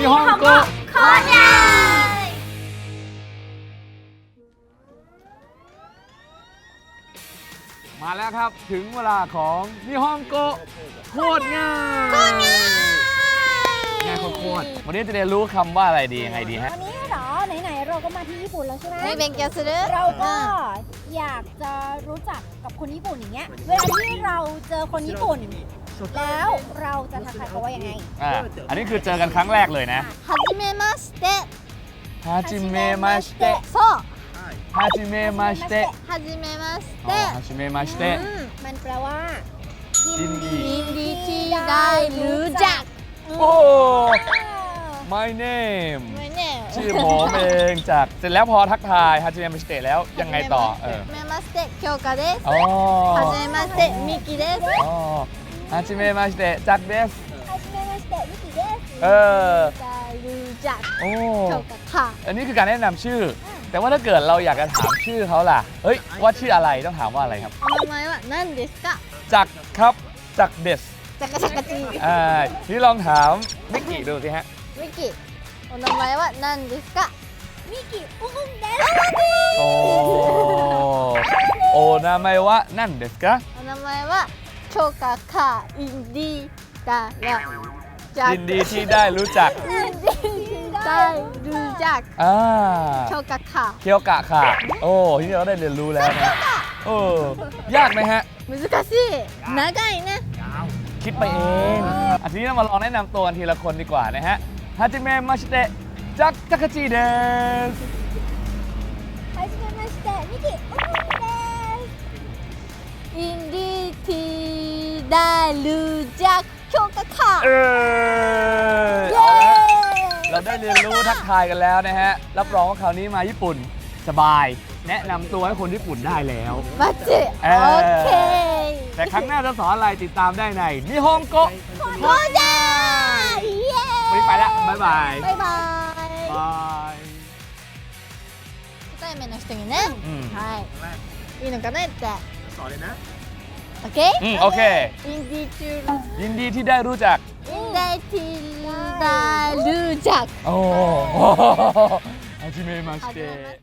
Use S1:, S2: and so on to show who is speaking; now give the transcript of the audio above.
S1: 日本語
S2: コーナー
S1: มาแล้วครับถึงเวลาของนิฮงโกโคตรง่ายง่ายโคตรวันนี้จะเรียนรู้คำว่าอะไรดียังไงดีฮะ
S2: วันนี้เหรอไหนๆเราก็มาที่ญี่ปุ่นแล้วใช่ไหม
S3: ไม่勉強する
S2: เราก็อยากจะรู้จักกับคนญี่ปุ่นอย่างเงี้ยเวลาที่เราเจอคนญี่ปุ่น แล้วเราจะทักทายเขาว่ายังไง
S1: อันนี้คือเจอกันครั้งแรกเลยนะ
S3: はじめまして
S1: ฮาจิเมะมาสเตะ
S3: そう
S1: ฮาจิเมะมาสเตะ
S3: はじめまし
S1: อ๋อ
S3: て
S1: ฮาจิเมะมาสเตะ
S2: มันแปลว่า
S1: ยินดี
S3: ยินดีที่ได้รู้จัก
S1: โอ้ my name
S3: ไม่แน่
S1: ชื่อผมเองจากเสร็จแล้วพอทักทายฮาจิเมะมาสเตะแล้วยังไงต่อ
S3: はじめまして京香です
S1: อ๋อ
S3: はじめましてミキです
S1: อ๋อฮาจิเมะมาสเตะจักเดส
S2: はじめましてミキです
S1: เออ
S3: ได้รู้จัก
S1: โอ้
S3: 京香ค่ะ
S1: อันนี้คือการแนะนำชื่อ แต่ว่าถ้าเกิดเราอยากจะถามชื่อเขาล่ะ เฮ้ย ว่าชื่ออะไรต้องถามว่าอะไรครับ
S3: お名前は何ですか
S1: จักรครับจักรเดส
S3: จักรจักรจี
S1: นี่ลองถามมิกกี้ดูสิฮะ
S3: ミキお名前は何ですか
S2: ミキอุ้มเดส
S1: โอ้โอนาไมวะนั่นเดสกะ
S3: お名前は京香かインディだらจัก
S1: ยินดีที่ได้รู้จัก
S3: ได้รู้จัก
S1: อ่า
S3: 京香ค่ะ
S1: เคียวกะค่ะ โอ้ที่นี่เราได้เรียนรู้แล้วนะยากไหมฮะ
S3: 難しい長いね
S1: คิดไปเองทีนี้เรามาลองแนะนำตัวกันทีละคนดีกว่านะฮะฮาจิเมะมาชิเตะจักจักรจีเดส
S2: はじめましてミキอุ้มเดส
S3: อินดีที่ได้รู้จัก京香ค่ะ
S1: เอาละเราได้เรียนรู้ทักทายกันแล้วนะฮะ รับรองว่าคราวนี้มาญี่ปุ่นสบาย แนะนำตัวให้คนญี่ปุ่นได้แล้ว
S3: バッチリ
S1: เออ
S3: オッケー
S1: แต่ครั้งหน้าจะสอนอะไรติดตามได้ในนิฮงโก
S3: ゴージャーイエ
S1: วันนี้ไปแล้ว บ๊ายบาย
S3: ーイバイバイ
S1: บาย
S3: 初対面の人にね、
S1: うん
S3: はいいいのかなって
S4: สอนเลยนะ
S3: オッケー
S1: โอเค
S3: インディチュー
S1: ยินดีที่ได้รู้จัก
S3: インダイティーダルジャク
S1: โอ้ はじめまして